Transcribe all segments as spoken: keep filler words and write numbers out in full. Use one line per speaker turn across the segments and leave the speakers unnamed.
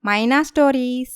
మైనా stories.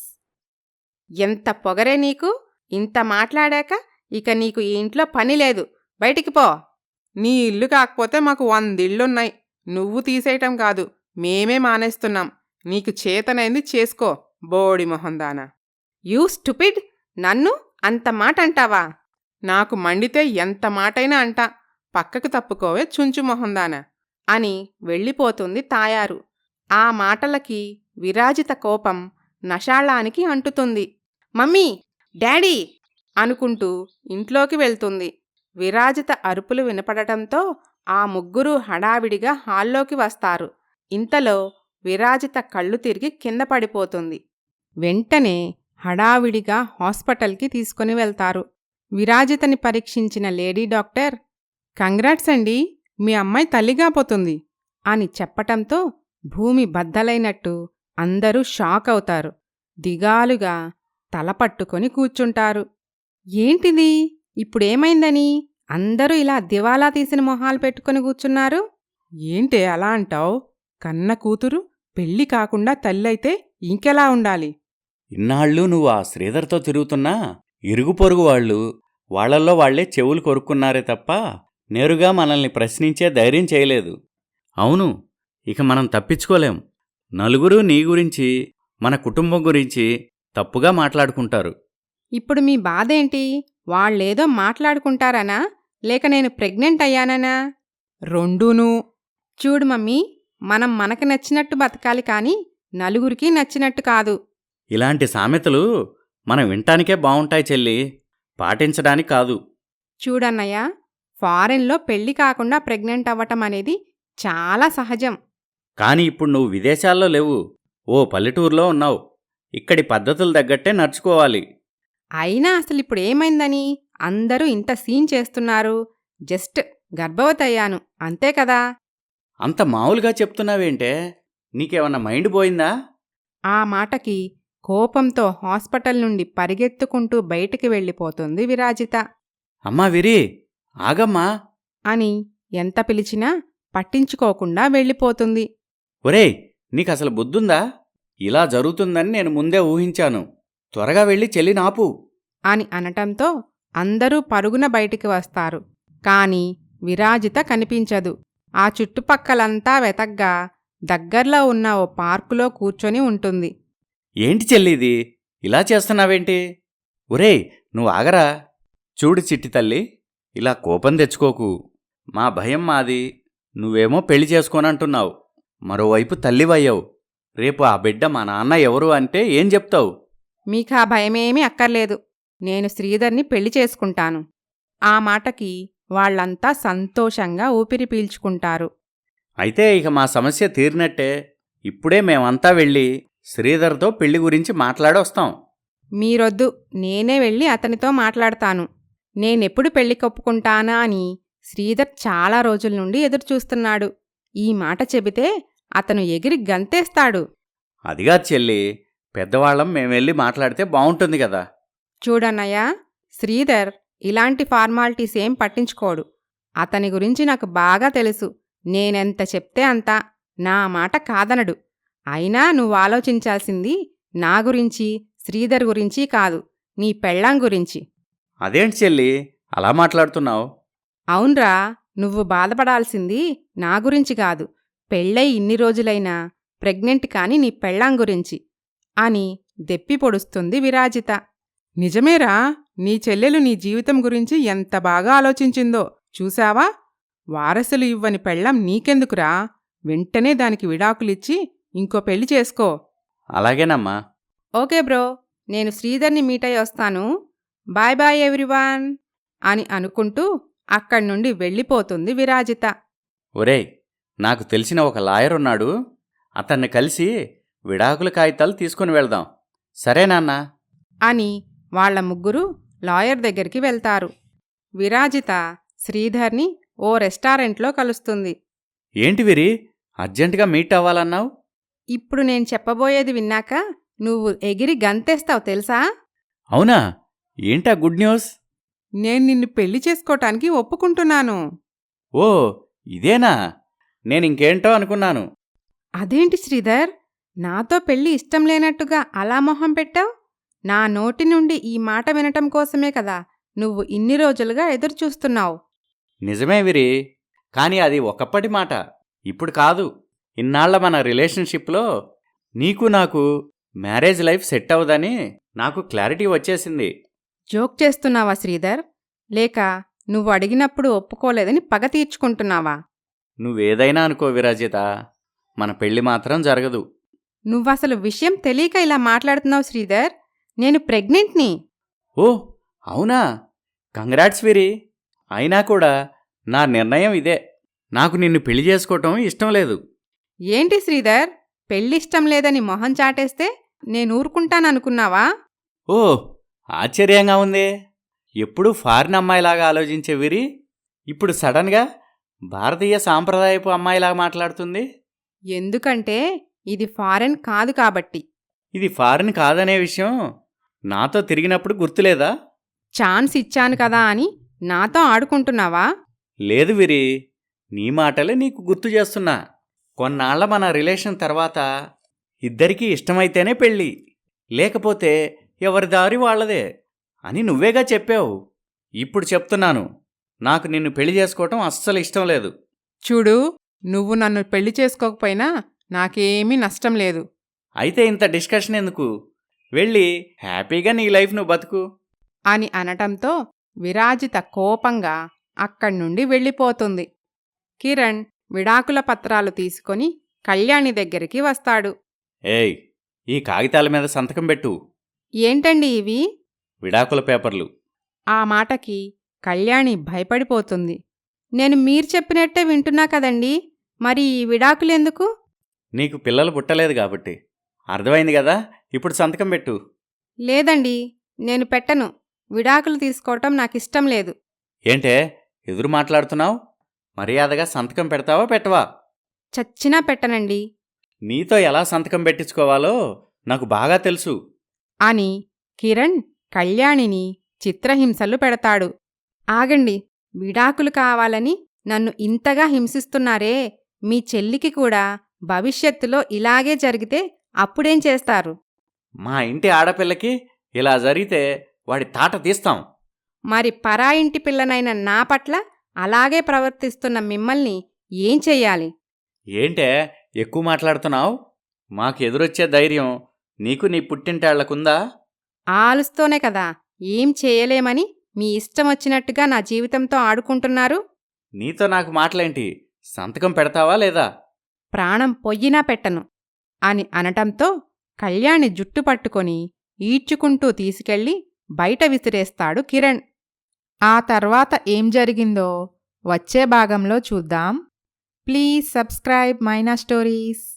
ఎంత పొగరే నీకు! ఇంత మాట్లాడాక ఇక నీకు ఈ ఇంట్లో పని లేదు, బయటికి పో.
నీ ఇల్లు కాకపోతే మాకు వందిళ్ళున్నాయి. నువ్వు తీసేయటం కాదు, మేమే మానేస్తున్నాం. నీకు చేతనైంది చేసుకో, బోడి మొహందానా.
You stupid! నన్ను అంత మాట అంటావా?
నాకు మండితే ఎంత మాటైనా అంటా. పక్కకు తప్పుకోవే చుంచు మొహందానా
అని వెళ్ళిపోతుంది తాయారు. ఆ మాటలకి విరాజిత కోపం నషాళానికి అంటుతుంది. మమ్మీ, డాడీ అనుకుంటూ ఇంట్లోకి వెళ్తుంది. విరాజిత అరుపులు వినపడటంతో ఆ ముగ్గురు హడావిడిగా హాల్లోకి వస్తారు. ఇంతలో విరాజిత కళ్ళు తిరిగి కింద పడిపోతుంది. వెంటనే హడావిడిగా హాస్పిటల్కి తీసుకుని వెళ్తారు. విరాజితని పరీక్షించిన లేడీ డాక్టర్,
కంగ్రాట్స్ అండి, మీ అమ్మాయి తల్లిగాపోతుంది
అని చెప్పటంతో భూమి బద్దలైనట్టు అందరూ షాక్ అవుతారు. దిగాలుగా తల పట్టుకొని కూర్చుంటారు. ఏంటిది, ఇప్పుడేమైందని అందరూ ఇలా దివాలా తీసిన మొహాలు పెట్టుకుని కూర్చున్నారు?
ఏంటే అలా అంటావు? కన్న కూతురు పెళ్లి కాకుండా తల్లైతే ఇంకెలా ఉండాలి?
ఇన్నాళ్ళు నువ్వు ఆ శ్రీధర్తో తిరుగుతున్నా ఇరుగు పొరుగు వాళ్ళు వాళ్లల్లో వాళ్లే చెవులు కొరుక్కున్నారే తప్ప నేరుగా మనల్ని ప్రశ్నించే ధైర్యం చేయలేదు. అవును, ఇక మనం తప్పించుకోలేం. నలుగురు నీ గురించి, మన కుటుంబం గురించి తప్పుగా మాట్లాడుకుంటారు.
ఇప్పుడు మీ బాధేంటి? వాళ్ళేదో మాట్లాడుకుంటారనా, లేక నేను ప్రెగ్నెంట్ అయ్యాననా?
రెండూనూ.
చూడు మమ్మీ, మనం మనకు నచ్చినట్టు బతకాలి కాని నలుగురికి నచ్చినట్టు కాదు.
ఇలాంటి సామెతలు మనం వినటానికే బావుంటాయి చెల్లి, పాటించడానికి కాదు.
చూడన్నయ్య, ఫారెన్లో పెళ్లి కాకుండా ప్రెగ్నెంట్ అవ్వటం అనేది చాలా సహజం.
కాని ఇప్పుడు నువ్వు విదేశాల్లో లేవు, ఓ పల్లెటూరులో ఉన్నావు. ఇక్కడి పద్ధతులు తగ్గట్టే నడుచుకోవాలి.
అయినా అసలిప్పుడేమైందని అందరూ ఇంత సీన్ చేస్తున్నారు? జస్ట్ గర్భవతి అయ్యాను, అంతే కదా.
అంత మామూలుగా చెప్తున్నావేంటే? నీకేమన్నా మైండ్ పోయిందా?
ఆ మాటకి కోపంతో హాస్పిటల్ నుండి పరిగెత్తుకుంటూ బయటికి వెళ్ళిపోతుంది విరాజిత.
అమ్మా విరి, ఆగమ్మా
అని ఎంత పిలిచినా పట్టించుకోకుండా వెళ్ళిపోతుంది.
ఒరేయ్, నీకసలు బుద్ధుందా? ఇలా జరుగుతుందని నేను ముందే ఊహించాను. త్వరగా వెళ్ళి చెల్లినాపు
అని అనటంతో అందరూ పరుగున బయటికి వస్తారు. కాని విరాజిత కనిపించదు. ఆ చుట్టుపక్కలంతా వెతగ్గా దగ్గర్లో ఉన్న ఓ పార్కులో కూర్చొని ఉంటుంది.
ఏంటి చెల్లిది, ఇలా చేస్తున్నావేంటి? ఒరేయ్, నువ్వు ఆగరా. చూడు చిట్టి తల్లి, ఇలా కోపం తెచ్చుకోకు. మా భయం మాది, నువ్వేమో పెళ్లి చేసుకోనంటున్నావు. మరోవైపు తల్లివయ్యావు. రేపు ఆ బిడ్డ మా నాన్న ఎవరు అంటే ఏం చెప్తావు?
మీకా భయమేమీ అక్కర్లేదు, నేను శ్రీధర్ని పెళ్లి చేసుకుంటాను. ఆ మాటకి వాళ్లంతా సంతోషంగా ఊపిరి పీల్చుకుంటారు.
అయితే ఇక మా సమస్య తీరినట్టే. ఇప్పుడే మేమంతా వెళ్ళి శ్రీధర్తో పెళ్లి గురించి మాట్లాడొస్తాం.
మీరొద్దు, నేనే వెళ్ళి అతనితో మాట్లాడతాను. నేనెప్పుడు పెళ్లి కొప్పుకుంటానా అని శ్రీధర్ చాలా రోజుల నుండి ఎదురుచూస్తున్నాడు. ఈ మాట చెబితే అతను ఎగిరి గంతేస్తాడు.
అదిగా చెల్లి, పెద్దవాళ్ళం మేమెళ్ళి మాట్లాడితే బావుంటుంది కదా.
చూడన్నయ్యా, శ్రీధర్ ఇలాంటి ఫార్మాలిటీస్ ఏం పట్టించుకోడు. అతని గురించి నాకు బాగా తెలుసు. నేనెంత చెప్తే అంత, నా మాట కాదనడు. అయినా నువ్వు ఆలోచించాల్సింది నా గురించి, శ్రీధర్ గురించి కాదు, నీ పెళ్ళాం గురించి.
అదేంటి చెల్లి అలా మాట్లాడుతున్నావు?
అవున్రా, నువ్వు బాధపడాల్సింది నా గురించి కాదు, పెళ్ళై ఇన్ని రోజులైనా ప్రెగ్నెంట్ కాని నీ పెళ్ళాం గురించి అని దెప్పి పొడుస్తుంది విరాజిత.
నిజమేరా, నీ చెల్లెలు నీ జీవితం గురించి ఎంత బాగా ఆలోచించిందో చూశావా? వారసులు ఇవ్వని పెళ్ళాం నీకెందుకురా? వెంటనే దానికి విడాకులిచ్చి ఇంకో పెళ్లి చేసుకో.
అలాగేనమ్మా.
ఓకే బ్రో, నేను శ్రీధర్ని మీట్ అయ్యి వస్తాను. బాయ్ బాయ్ ఎవ్రీవాన్ అని అనుకుంటూ అక్కడ్నుండి వెళ్ళిపోతుంది విరాజిత.
ఒరేయ్, నాకు తెలిసిన ఒక లాయర్ ఉన్నాడు, అతన్ని కలిసి విడాకుల కాగితాలు తీసుకుని వెళ్దాం. సరేనాన్నా?
అని వాళ్ల ముగ్గురు లాయర్ దగ్గరికి వెళ్తారు. విరాజిత శ్రీధర్ని ఓ రెస్టారెంట్లో కలుస్తుంది.
ఏంటి విరి, అర్జెంటుగా మీట్ అవ్వాలన్నావు?
ఇప్పుడు నేను చెప్పబోయేది విన్నాక నువ్వు ఎగిరి గంతేస్తావు తెలుసా?
అవునా? ఏంటా గుడ్ న్యూస్?
నేను నిన్ను పెళ్లి చేసుకోటానికి ఒప్పుకుంటున్నాను.
ఓ, ఇదేనా? నేనింకేంటో అనుకున్నాను.
అదేంటి శ్రీధర్, నాతో పెళ్ళి ఇష్టం లేనట్టుగా అలా మొహం పెట్టావు? నా నోటి నుండి ఈ మాట వినటం కోసమే కదా నువ్వు ఇన్ని రోజులుగా ఎదురుచూస్తున్నావు.
నిజమే విరి, కానీ అది ఒకప్పటి మాట, ఇప్పుడు కాదు. ఇన్నాళ్ల మన రిలేషన్షిప్లో నీకు నాకు మ్యారేజ్ లైఫ్ సెట్ అవ్వదని నాకు క్లారిటీ వచ్చేసింది.
జోక్ చేస్తున్నావా శ్రీధర్? లేక నువ్వు అడిగినప్పుడు ఒప్పుకోలేదని పగ తీర్చుకుంటున్నావా?
నువ్వేదైనా అనుకో విరాజిత, మన పెళ్లి మాత్రం జరగదు.
నువ్వసలు విషయం తెలియక ఇలా మాట్లాడుతున్నావు శ్రీధర్. నేను ప్రెగ్నెంట్ని.
ఓ అవునా? కంగ్రాట్స్ విరి. అయినా కూడా నా నిర్ణయం ఇదే. నాకు నిన్ను పెళ్లి చేసుకోవటం ఇష్టం లేదు.
ఏంటి శ్రీధర్, పెళ్ళిష్టం లేదని మొహం చాటేస్తే నేను ఊరుకుంటాననుకున్నావా?
ఓ ఆశ్చర్యంగా ఉందే. ఎప్పుడూ ఫారిన్ అమ్మాయిలాగా ఆలోచించే విరి ఇప్పుడు సడన్గా భారతీయ సాంప్రదాయపు అమ్మాయిలాగా మాట్లాడుతుంది.
ఎందుకంటే ఇది ఫారెన్ కాదు కాబట్టి.
ఇది ఫారిన్ కాదనే విషయం నాతో తిరిగినప్పుడు గుర్తులేదా?
ఛాన్స్ ఇచ్చాను కదా అని నాతో ఆడుకుంటున్నావా?
లేదు విరి, నీ మాటలే నీకు గుర్తు చేస్తున్నా. కొన్నాళ్ల మన రిలేషన్ తర్వాత ఇద్దరికీ ఇష్టమైతేనే పెళ్ళి, లేకపోతే ఎవరి దారి వాళ్లదే అని నువ్వేగా చెప్పావు. ఇప్పుడు చెప్తున్నాను, నాకు నిన్ను పెళ్లి చేసుకోవటం అస్సలు ఇష్టం లేదు.
చూడు, నువ్వు నన్ను పెళ్లి చేసుకోకపోయినా నాకేమీ నష్టం లేదు.
అయితే ఇంత డిస్కషన్ ఎందుకు? వెళ్ళి హ్యాపీగా నీ లైఫ్ నువ్వు బతుకు
అని అనటంతో విరాజిత కోపంగా అక్కడ్నుండి వెళ్ళిపోతుంది. కిరణ్ విడాకుల పత్రాలు తీసుకొని కళ్యాణి దగ్గరికి వస్తాడు.
ఏయ్, ఈ కాగితాల మీద సంతకం పెట్టు.
ఏంటండి ఇవి?
విడాకుల పేపర్లు.
ఆ మాటకి కళ్యాణి భయపడిపోతుంది. నేను మీరు చెప్పినట్టే వింటున్నా కదండి, మరి ఈ విడాకులెందుకు?
నీకు పిల్లలు పుట్టలేదు కాబట్టి. అర్థమైంది కదా, ఇప్పుడు సంతకం పెట్టు.
లేదండి, నేను పెట్టను. విడాకులు తీసుకోవటం నాకిష్టం లేదు.
ఏంటే ఎదురు మాట్లాడుతున్నావు? మర్యాదగా సంతకం పెడతావా పెట్టవా?
చచ్చినా పెట్టనండి
నీతో ఎలా సంతకం పెట్టించుకోవాలో నాకు బాగా తెలుసు
అని కిరణ్ కళ్యాణిని చిత్రహింసలు పెడతాడు. ఆగండి, విడాకులు కావాలని నన్ను ఇంతగా హింసిస్తున్నారే, మీ చెల్లికి కూడా భవిష్యత్తులో ఇలాగే జరిగితే అప్పుడేం చేస్తారు?
మా ఇంటి ఆడపిల్లకి ఇలా జరిగితే వాడి తాట తీస్తాం.
మరి పరాయింటి పిల్లనైన నా పట్ల అలాగే ప్రవర్తిస్తున్న మిమ్మల్ని ఏం చెయ్యాలి?
ఏంటే ఎక్కువ మాట్లాడుతున్నావు? మాకు ఎదురొచ్చే ధైర్యం నీకు నీ పుట్టింటాళ్లకుందా?
ఆలుస్తోనే కదా ఏం చేయలేమని మీ ఇష్టం వచ్చినట్టుగా నా జీవితంతో ఆడుకుంటున్నారు.
నీతో నాకు మాటలేంటి? సంతకం పెడతావా లేదా?
ప్రాణం పొయ్యినా పెట్టను అని అనటంతో కళ్యాణి జుట్టు పట్టుకొని ఈడ్చుకుంటూ తీసుకెళ్లి బయట విసిరేస్తాడు కిరణ్. ఆ తర్వాత ఏం జరిగిందో వచ్చే భాగంలో చూద్దాం. Please subscribe Maina stories.